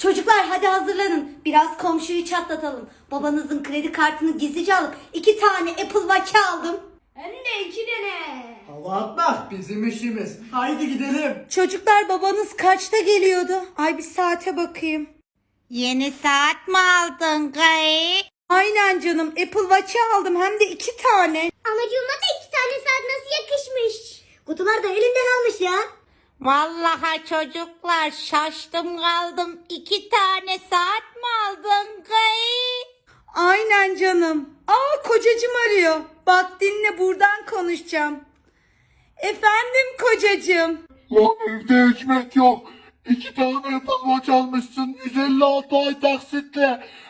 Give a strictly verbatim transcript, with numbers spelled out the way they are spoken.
Çocuklar hadi hazırlanın. Biraz komşuyu çatlatalım. Babanızın kredi kartını gizlice alıp iki tane Apple Watch aldım. Hem de iki tane. Hava atmak bizim işimiz. Haydi gidelim. Çocuklar babanız kaçta geliyordu? Ay bir saate bakayım. Yeni saat mi aldın Gay? Aynen canım, Apple Watch'ı aldım hem de iki tane. Anacığıma da iki tane saat nasıl yakışmış. Kutular da elinde kalmış ya. Vallahi çocuklar şaştım kaldım. İki tane saat mi aldın Gay? Aynen canım. Aa kocacığım arıyor. Bak dinle, buradan konuşacağım. Efendim kocacığım. Lan evde ekmek yok. İki tane Apple Watch almışsın. yüz elli altı ay taksitle.